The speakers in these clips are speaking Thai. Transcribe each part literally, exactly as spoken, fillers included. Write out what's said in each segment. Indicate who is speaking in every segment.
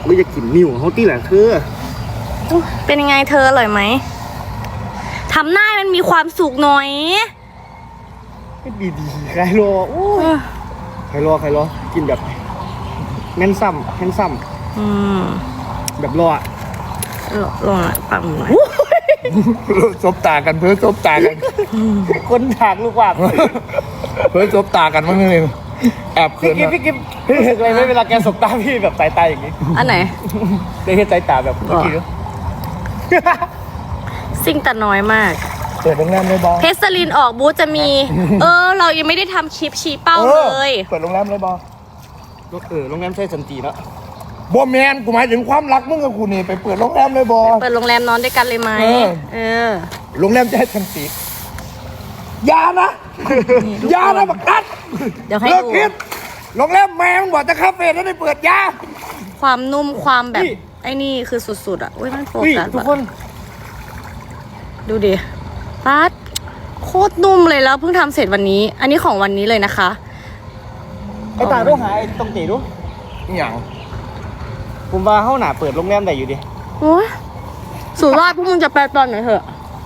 Speaker 1: ไม่จะกินนิ่วเขาตีแหละคือ
Speaker 2: เป็นยังไงเธออร่อยไหมทำหน้ามันมีความสุขหน่อย
Speaker 1: ดีดีใครรอโอ้ยใครรอใครรอกินแบบแน่นซ้ำแน่นซ้ำแบบรอ
Speaker 2: รอรอปั๊มหน่อย
Speaker 3: ซบตากันเพื่อซบตากัน
Speaker 1: คนถากลูกว่า
Speaker 3: เพื่อซบตากันมั้งนึงแอบเขิน
Speaker 1: พี่กิ๊บพี่กิ๊บพี่เห็นอะไรไหมเวลาแกสบตาพี่แบบสายตาอย่างนี้
Speaker 2: อันไหน
Speaker 1: ได้เห็นสายตาแบบเมื่อกี้ด้วย
Speaker 2: ซิ่งแต่น้อยมาก
Speaker 3: เปิดโรงแรมเลยบอ
Speaker 2: เพชรสลินออกบูธจะมีเออเรายังไม่ได้ทำคลิปชี้เป้าเลย
Speaker 3: เปิดโรงแรมเลยบอ
Speaker 1: เออโรงแรมใช่สันติเนาะ
Speaker 3: บอแมนกูหมายถึงความรักมึงกับกูนี่ไปเปิดโรงแรมเลยบอ
Speaker 2: เปิดโรงแรมนอนด้วยกันเลยไหมเออ
Speaker 3: โรงแรมจะให้สันติยานะยานะบักนัด
Speaker 2: เดี๋ยวให้ดู
Speaker 3: โรงแรมแมงบอกจะคาเฟ่แล้วได้เปิดยา
Speaker 2: ความนุ่มความแบบไอ้นี่คือสุดๆอ่ะอุ้ยมันโฟกัส
Speaker 1: ทุกคน
Speaker 2: ดูดิป๊าดโคตรนุ่มเลยแล้วเพิ่งทำเสร็จวันนี้อันนี้ของวันนี้เลยนะคะ
Speaker 1: ไอ้ตาต้องหาไอ้ตรงตีดู
Speaker 3: อย่าง
Speaker 1: ผมว่าเข้าหนาเปิดโรงแรมไหนอยู่ดิ
Speaker 2: โอ้ยสุราษฎร์พวกมึงจะไปตอนไหนเหรอ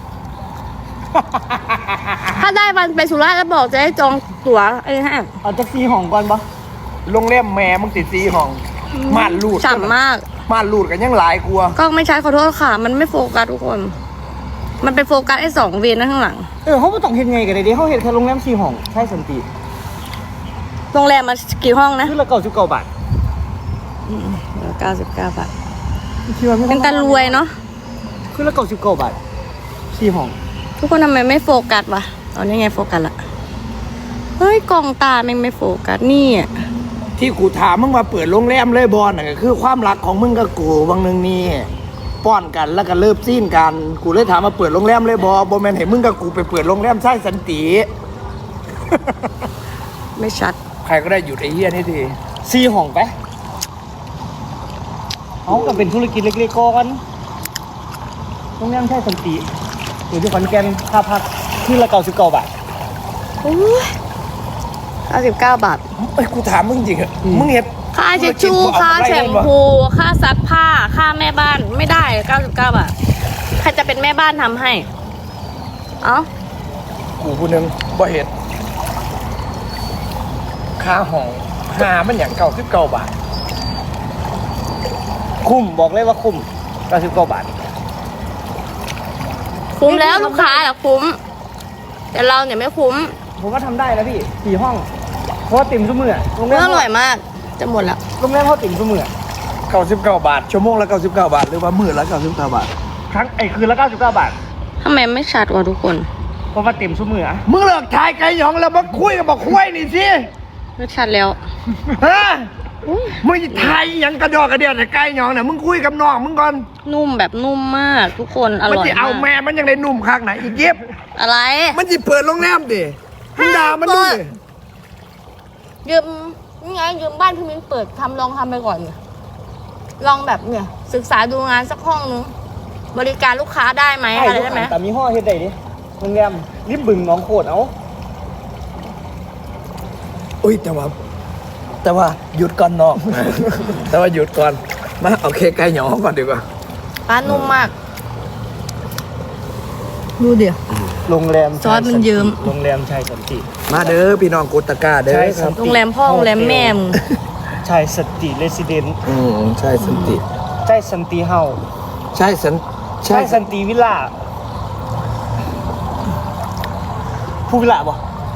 Speaker 2: ถ้าได้วันไปสุราษฎร์แล้วบอกจะให้จองตั๋วไอ้ฮะ
Speaker 1: เอาจะซีห้องก่อนปะ
Speaker 3: โรงแรมแม่มึงติดซีห้องม่านรูด
Speaker 2: ฉ่ำมาก
Speaker 3: ม่านรูดกันยังหลายกลัว
Speaker 2: ก็ไม่ใช่ขอโทษค่ะมันไม่โฟกัสทุกคนมันเป็นโฟกัสไอ้สองเวนนั่นข้างหลัง
Speaker 1: เออเขาไม่ต้องเห็นไงกันเลยดิเขาเห็นแค่โรงแรมซีห้องใช่สันติ
Speaker 2: โรงแรมมันกี่ห้องนะ
Speaker 1: คือละเก้าสิบเก้าบาท
Speaker 2: เก้าสิบเก้าบาทเป็นการรวยเนาะ
Speaker 1: คือละเก้าสิบเก้าบาทซีห้อง
Speaker 2: ทุกคนทำไมไม่โฟกัสวะตอนนี้ไงโฟกัสละเฮ้ยกล่องตาแม่งไม่โฟกัสนี่อ่ะ
Speaker 3: ที่กูถามมึงมาเปิดโรงแรมเลยบอลน่ะก็คือความรักของมึงกับกูบางนึงนี่ป้อนกันแล้วก็เลิฟซีนกันกูเลยถามมาเปิดโรงแรมเลยบอบอแมนเห็นมึงกับกูไปเปิดโรงแรมใช่สันติ
Speaker 2: ไม่ชัด
Speaker 3: ใครก็ได้หยุดไอ้เหี้ยนี่ที
Speaker 1: ซีห้องไปเขาก็เป็นธุรกิจเล็กๆก่อนโรงแรมใช่สันติอยู่ที่ขอนแก่นค่าพักที่ละเก้าสิบเก้าบาท
Speaker 2: โอ้ยเก้าสิบเก้าบาท
Speaker 3: เอ้ยกูถามมึงจริงอะมึงเห็น
Speaker 2: ค่าเช็ดชูค่าแชมพูค่าซักผ้าค่าแม่บ้านไม่ได้เก้าสิบเก้าบาทใครจะเป็นแม่บ้านทำให้เอ้า
Speaker 3: กูผู้นึงบ่เห็นค่าห้องหามันอย่างเก้าสิบเก้าบาท
Speaker 1: คุ้มบอกเลยว่าคุ้มเก้าสิบเก้าบาท
Speaker 2: คุ้มแล้วลูกค้าอะคุ้มแต่เราเนี่ยไม่คุ้ม
Speaker 1: ผมว่าทำได้แล้วพี่สี่ห้องเพราะติ่มซุ้มมือโรงแรม
Speaker 2: อร่อยมากจะหมดแล้ว
Speaker 1: โรงแรมเขาติ่มซุ้มมือ
Speaker 3: เก้าสิบเก้าบาทชั่วโมงละเก้าสิบเก้าบาทหรือว่ามื้อละเก้าสิบเก้าบาท
Speaker 1: ครั้งไอ้คืนละเก้าสิบเก้าบาท
Speaker 2: ทำไมไม่ชัดวะทุกคน
Speaker 1: เพราะว่าติ่มซุ้มมือ
Speaker 3: มึงเลิกถ่ายไก่หยองแล้วมาคุยกับบอกคุยนี่สิ
Speaker 2: ไม่ชัดแล้ว
Speaker 3: ฮะมึงไทยยังกระดอกกระเดียดแต่ไก่หยองเนี่ยมึงคุยกับน้องมึงก่อน
Speaker 2: นุ่มแบบนุ่มมากทุกคนอร่อยมากมัน
Speaker 3: จะเอาแม่มันยังได้นุ่มคักไหนอีกเย็บ
Speaker 2: อะไร
Speaker 3: มันจะเปิดโรงแรมดิมึงด่ามันดูดิ
Speaker 2: ยืมนี่ไงยืมบ้านพี่มิ้นเปิดทำลองทำไปก่อนเนี่ยลองแบบเนี่ยศึกษาดูงานสักห้องนึงบริการลูกค้าได้ไหมอะไรได้ไหม
Speaker 1: แต่มีห้อเฮ็ดได้ดิโรงแรมริบบึงน้องโคตรเอา
Speaker 3: อุ้ยแต่ว่าแต่ว่าหยุดก่อนน้องแต่ว่าหยุดก่อนมาเอาเคไก่หยองก่อนดีกว่า
Speaker 2: ป้านุ่มมากดูเดี๋ยว
Speaker 1: โรงแรม
Speaker 2: ซอสมันเยิ้ม
Speaker 1: โรงแรมชัยสันติ
Speaker 3: มาเด้อพี่น้องกุตกาเด้อ
Speaker 2: โรงแรมพ่อโรงแรมแม่มึง
Speaker 1: ชัยสันติเรสซิเดนต์
Speaker 3: อืมใช่สันติ
Speaker 1: ใช่สันติเฮา
Speaker 3: ใช่สัน
Speaker 1: ใช่สันติวิลล่าผู้วิลล่าบ่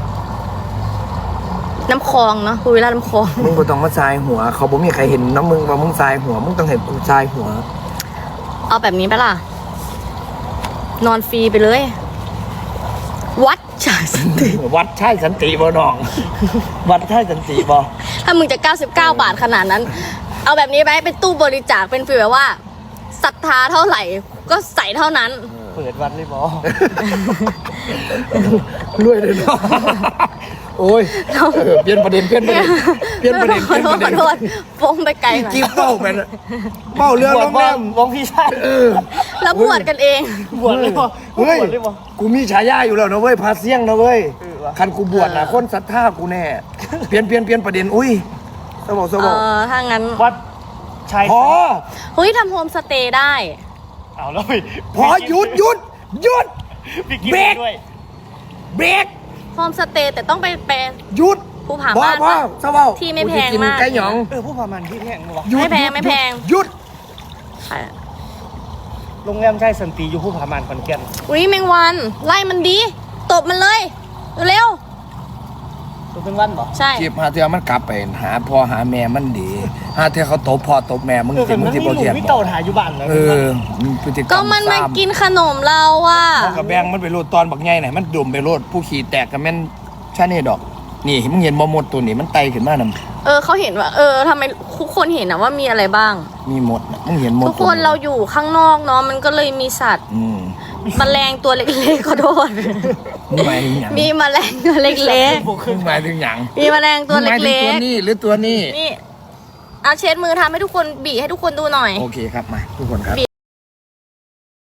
Speaker 2: น้ำคลองเนาะคุยแล้วน้ำคลอง
Speaker 3: มึงก็ต้องมาทรายหัวเขาบอกมีใครเห็นน้ำมึงว่ามึงทรายหัวมึงต้องเห็นกูทรายหัว
Speaker 2: เอาแบบนี้ไปล่ะนอนฟรีไปเลยวัดใช่สันติ
Speaker 3: วัดใช่สันติบ่น้องวัดใช่สันติบ่
Speaker 2: ถ้ามึงจะเก้าสิบเก้าบาทขนาดนั้นเอาแบบนี้ไปเป็นตู้บริจาคเป็นฟีลแบบว่าศรัทธาเท่าไหร่ก็ใส่เท่านั้น
Speaker 1: เปิดวัดเลยบ่
Speaker 3: รวยเลยเนาะโอ้ยเปลี่ยนประเด็นเปลี่ยนประเด็นเปลี่ยนประเด็นเปลี่ยนประเด็น
Speaker 2: ฟงไปไกลหน่อย
Speaker 3: กิ๊บเป้าแมนเป้าเรื่องโรงแรม
Speaker 1: วงพี่ชาย
Speaker 2: แล้วบวชกันเอง
Speaker 1: บวชเลยบ่
Speaker 3: เฮ้ยกูมีฉายาอยู่แล้วนะเว้ยพาเสี่ยงนะเว้ยคันกูบวชนะคนศรัทธากูแน่เปลี่ยนเปลี่ยนเปลี่ยนประเด็นอุ้ยสมองสมอง
Speaker 2: เออถ้างั้น
Speaker 1: วัดชาย
Speaker 3: พอ
Speaker 2: เฮ้ยทำโฮมสเตย์ได้
Speaker 1: เอาแล้วไป
Speaker 3: พอหยุดหยุดหยุด
Speaker 1: พี่กิน
Speaker 3: เบรก
Speaker 1: ด้วย
Speaker 3: เบรก
Speaker 2: โฮมสเตย์แต่ต้องไปไป
Speaker 3: หยุด
Speaker 2: ภูผา
Speaker 3: พ่อ
Speaker 2: ม่าน
Speaker 3: พ่อ
Speaker 2: ปะ
Speaker 3: เศร้าเบา
Speaker 2: ที่ไม่แพง
Speaker 3: กูจะกิน
Speaker 2: มาก
Speaker 3: ไก่หยอง
Speaker 1: เออผู้พามันที่แพงวะ
Speaker 3: หยุด
Speaker 2: ไม่แพง
Speaker 3: หยุด
Speaker 2: ไม่แพง
Speaker 3: หยุด
Speaker 1: โรงแรมชายสันติอยู่ผู้พามันขอนแก่น
Speaker 2: อุ้ยแมงวัน ไล่มันดี ตบมันเลย เร็ว
Speaker 1: ตัวเป็นวันบ่
Speaker 2: ๆใช่
Speaker 3: จีบหาเธอมันกลับไปหาพ่อหาแม่มันดีหาเธอเขาตบพ่อตบแม่มึง
Speaker 1: เออ
Speaker 3: สิ
Speaker 1: แต่
Speaker 3: มึ
Speaker 1: มั
Speaker 3: ง
Speaker 1: น
Speaker 3: สิ
Speaker 1: ไม่
Speaker 3: บ่
Speaker 1: หลู
Speaker 3: เทียน
Speaker 1: ไม่
Speaker 3: บ
Speaker 1: เต่า
Speaker 3: อก
Speaker 1: ถ่ายอยู่บ้านเลย
Speaker 3: เออมึงพฤติกรรม
Speaker 2: ก็มันมา
Speaker 3: ซ้ำ
Speaker 2: กินขนมเราว่ะ
Speaker 3: พ่อกับแบงมันไปโลดตอนบักใหญ่ไหนมันดมไปโลดผู้ขี่แตกกับแม่นชาเน่ดอก นี่มึงเห็นบ่หมดตัวนี้มันไตขึ้นมานํ
Speaker 2: เออเขาเห็นว่า เออทำไมทุกคนเห็นนะว่ามีอะไรบ้าง
Speaker 3: มีหมดน่ะมึงเห็นหมด
Speaker 2: ทุกคนเราอยู่ข้างนอกเนาะมันก็เลยมีสัตว์
Speaker 3: อืม
Speaker 2: แมลงตัวเล็กๆขอโทษ
Speaker 3: มึงหมายถึงหยัง
Speaker 2: มีแมลงตัวเล็ก
Speaker 3: มึงหมายถึงหยัง
Speaker 2: ๆ มีแมลงตัว
Speaker 3: มึงหมายถึง
Speaker 2: เล็
Speaker 3: ตัว
Speaker 2: ก
Speaker 3: นี้หรือตัวนี้
Speaker 2: ๆ นี่เอาเช็ดมือทำให้ทุกคนบีให้ทุกคนดูหน่อย
Speaker 3: โอเคครับมาทุกคนครับ
Speaker 2: บี